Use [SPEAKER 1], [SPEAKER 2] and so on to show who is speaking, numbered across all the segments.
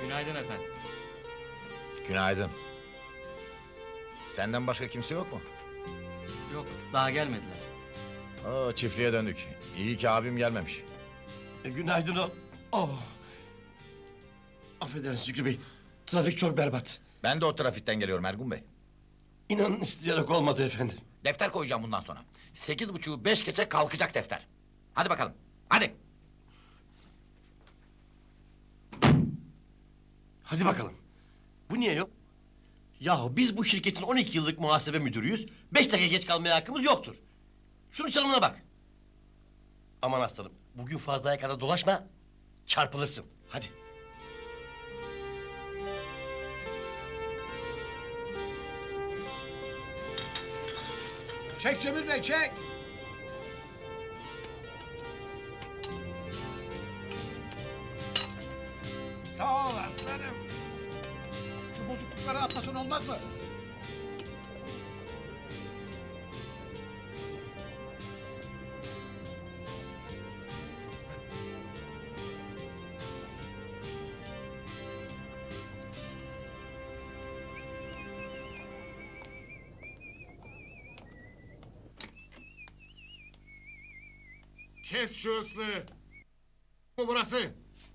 [SPEAKER 1] Günaydın efendim.
[SPEAKER 2] Günaydın. Senden başka kimse yok mu?
[SPEAKER 1] Yok, daha gelmediler.
[SPEAKER 2] Oo, çiftliğe döndük. İyi ki abim gelmemiş.
[SPEAKER 3] Günaydın o. Oh. Affedersiniz Şükrü Bey. Trafik çok berbat.
[SPEAKER 2] Ben de o trafikten geliyorum Ergun Bey.
[SPEAKER 3] İnanın isteyerek olmadı efendim.
[SPEAKER 2] Defter koyacağım bundan sonra. 8.30'u 5 geçe kalkacak defter. Hadi bakalım. Hadi.
[SPEAKER 3] Hadi bakalım. Bu niye yok? Yahu biz bu şirketin 12 yıllık muhasebe müdürüyüz. 5 dakika geç kalmaya hakkımız yoktur. Şunun çalımına bak. Aman aslanım, bugün fazlaya kadar dolaşma, çarpılırsın. Hadi.
[SPEAKER 4] Çek Cemil Bey, çek! Sağ ol aslanım. Şu bozuklukları atmasan olmaz mı?
[SPEAKER 5] Kes şu ıslığı. Bu burası.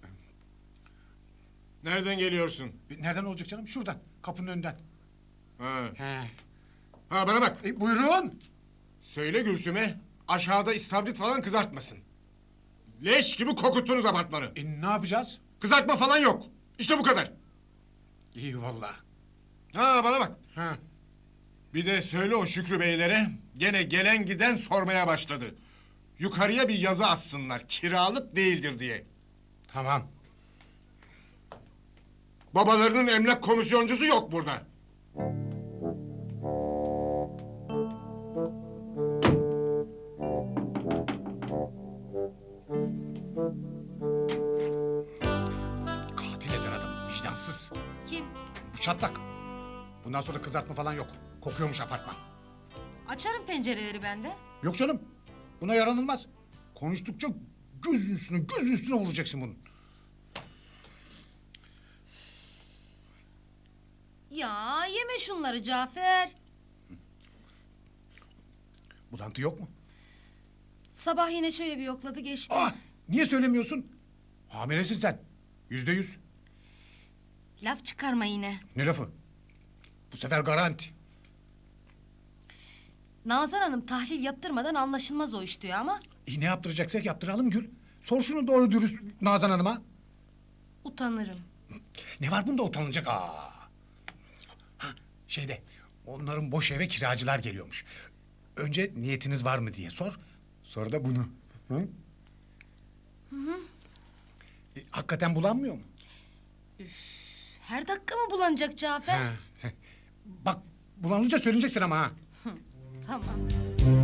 [SPEAKER 5] Nereden geliyorsun?
[SPEAKER 4] Nereden olacak canım? Şuradan, kapının önünden.
[SPEAKER 5] Ha.
[SPEAKER 4] He.
[SPEAKER 5] Ha bana bak.
[SPEAKER 4] Buyurun.
[SPEAKER 5] Söyle Gülsüm'e aşağıda istavrit falan kızartmasın. Leş gibi kokuttunuz apartmanı.
[SPEAKER 4] Ne yapacağız?
[SPEAKER 5] Kızartma falan yok. İşte bu kadar.
[SPEAKER 4] İyi vallahi.
[SPEAKER 5] Ha bana bak.
[SPEAKER 4] Ha.
[SPEAKER 5] Bir de söyle o Şükrü beylere gene gelen giden sormaya başladı. Yukarıya bir yazı assınlar kiralık değildir diye.
[SPEAKER 4] Tamam.
[SPEAKER 5] Babalarının emlak komisyoncusu yok burada.
[SPEAKER 4] Katil eder adam, vicdansız.
[SPEAKER 6] Kim?
[SPEAKER 4] Bu çatlak. Bundan sonra kızartma falan yok. Kokuyormuş apartman.
[SPEAKER 6] Açarım pencereleri ben de.
[SPEAKER 4] Yok canım. Buna yaranılmaz. Konuştukça göz üstüne vuracaksın bunun.
[SPEAKER 6] Ya yeme şunları Cafer.
[SPEAKER 4] Bulantı yok mu?
[SPEAKER 6] Sabah yine şöyle bir yokladı geçti.
[SPEAKER 4] Niye söylemiyorsun? Hamilesin sen. %100.
[SPEAKER 6] Laf çıkarma yine.
[SPEAKER 4] Ne lafı? Bu sefer garanti.
[SPEAKER 6] Nazan Hanım tahlil yaptırmadan anlaşılmaz o iş diyor ama...
[SPEAKER 4] Ne yaptıracaksak yaptıralım Gül. Sor şunu doğru dürüst Nazan Hanım'a.
[SPEAKER 6] Utanırım.
[SPEAKER 4] Ne var bunda utanılacak? Onların boş eve kiracılar geliyormuş. Önce niyetiniz var mı diye sor. Sonra da bunu. Hı? Hakikaten bulanmıyor mu?
[SPEAKER 6] Her dakika mı bulanacak Cafer?
[SPEAKER 4] Bak bulanınca söyleyeceksin ama ha.
[SPEAKER 6] Tamam.